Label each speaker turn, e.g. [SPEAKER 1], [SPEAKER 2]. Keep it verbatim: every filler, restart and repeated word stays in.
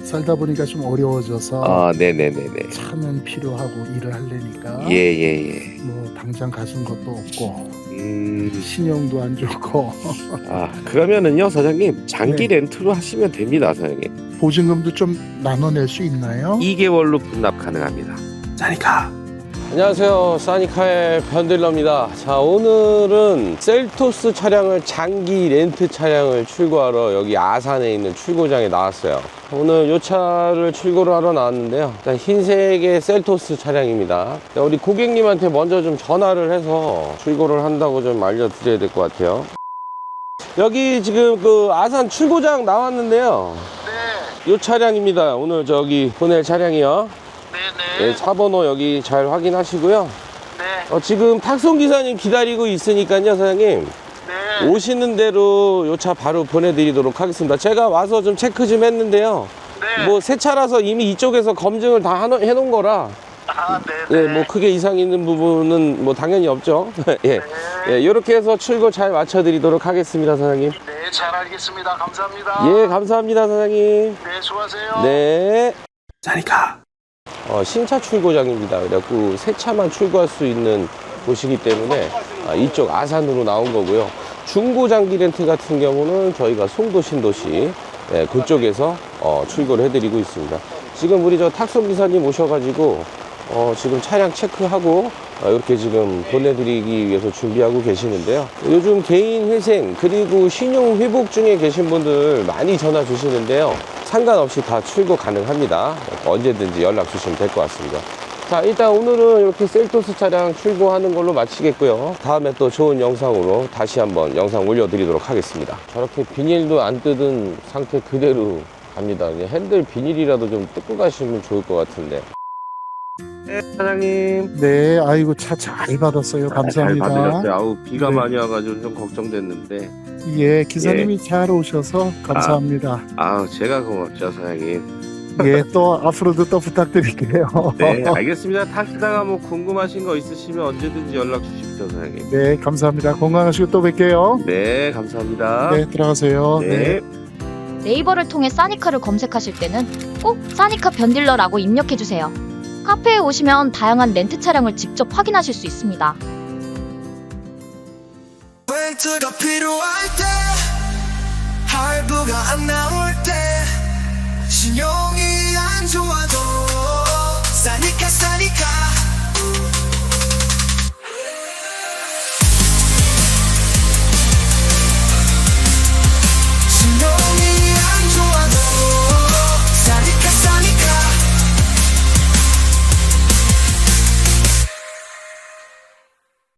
[SPEAKER 1] 살다 보니까 좀 어려워져서
[SPEAKER 2] 아, 네네네네.
[SPEAKER 1] 차는 필요하고 일을 하려니까
[SPEAKER 2] 예예예.
[SPEAKER 1] 뭐 당장 가진 것도 없고
[SPEAKER 2] 음.
[SPEAKER 1] 신용도 안 좋고
[SPEAKER 2] 아, 그러면은요 사장님 장기
[SPEAKER 1] 네.
[SPEAKER 2] 렌트로 하시면 됩니다 사장님.
[SPEAKER 1] 보증금도 좀 나눠낼 수 있나요?
[SPEAKER 2] 이 개월로 분납 가능합니다.
[SPEAKER 1] 자니까
[SPEAKER 3] 안녕하세요, 사니카의 변딜러입니다. 자, 오늘은 셀토스 차량을 장기 렌트 차량을 출고하러 여기 아산에 있는 출고장에 나왔어요. 오늘 이 차를 출고를 하러 나왔는데요, 일단 흰색의 셀토스 차량입니다. 우리 고객님한테 먼저 좀 전화를 해서 출고를 한다고 좀 알려드려야 될 것 같아요. 여기 지금 그 아산 출고장 나왔는데요,
[SPEAKER 4] 네,
[SPEAKER 3] 이 차량입니다. 오늘 저기 보낼 차량이요.
[SPEAKER 4] 네네.
[SPEAKER 3] 네, 차번호 여기 잘 확인하시고요.
[SPEAKER 4] 네,
[SPEAKER 3] 어, 지금 탁송기사님 기다리고 있으니까요 사장님,
[SPEAKER 4] 네.
[SPEAKER 3] 오시는 대로 요 차 바로 보내드리도록 하겠습니다. 제가 와서 좀 체크 좀 했는데요,
[SPEAKER 4] 네.
[SPEAKER 3] 뭐 새 차라서 이미 이쪽에서 검증을 다 하노- 해놓은 거라
[SPEAKER 4] 아, 네네.
[SPEAKER 3] 네, 뭐 크게 이상 있는 부분은 뭐 당연히 없죠. 예, 예, 이렇게 해서 출고 잘 맞춰드리도록 하겠습니다 사장님.
[SPEAKER 4] 네, 잘 알겠습니다. 감사합니다.
[SPEAKER 3] 예, 감사합니다 사장님.
[SPEAKER 4] 네, 수고하세요.
[SPEAKER 3] 네.
[SPEAKER 1] 자니까
[SPEAKER 3] 어, 신차 출고장입니다. 그래갖고 새 차만 출고할 수 있는 곳이기 때문에 아, 이쪽 아산으로 나온 거고요. 중고 장기 렌트 같은 경우는 저희가 송도 신도시, 예, 그쪽에서 어, 출고를 해드리고 있습니다. 지금 우리 저 탁송 기사님 오셔가지고 어, 지금 차량 체크하고 어, 이렇게 지금 보내드리기 위해서 준비하고 계시는데요. 요즘 개인 회생 그리고 신용 회복 중에 계신 분들 많이 전화 주시는데요, 상관없이 다 출고 가능합니다. 언제든지 연락 주시면 될 것 같습니다. 자, 일단 오늘은 이렇게 셀토스 차량 출고하는 걸로 마치겠고요. 다음에 또 좋은 영상으로 다시 한번 영상 올려드리도록 하겠습니다. 저렇게 비닐도 안 뜯은 상태 그대로 갑니다. 이제 핸들 비닐이라도 좀 뜯고 가시면 좋을 것 같은데.
[SPEAKER 2] 네 사장님.
[SPEAKER 1] 네, 아이고 차 잘 받았어요. 감사합니다.
[SPEAKER 2] 아, 잘 받으셨어요. 아우 비가
[SPEAKER 1] 네.
[SPEAKER 2] 많이 와가지고 좀 걱정됐는데.
[SPEAKER 1] 예, 기사님이 잘 오셔서 감사합니다.
[SPEAKER 2] 아우 제가 고맙죠 사장님.
[SPEAKER 1] 예, 또 앞으로도 또 부탁드릴게요.
[SPEAKER 2] 네 알겠습니다. 타시다가 뭐 궁금하신 거 있으시면 언제든지 연락 주십시오 사장님.
[SPEAKER 1] 네, 감사합니다. 건강하시고 또 뵐게요.
[SPEAKER 2] 네 감사합니다.
[SPEAKER 1] 네, 들어가세요.
[SPEAKER 2] 네.
[SPEAKER 5] 네이버를 통해 사니카를 검색하실 때는 꼭 사니카 변딜러라고 입력해주세요. 카페에 오시면 다양한 렌트 차량을 직접 확인하실 수 있습니다.
[SPEAKER 6] 렌트가 필요할 때 할부가 안 나올 때 신용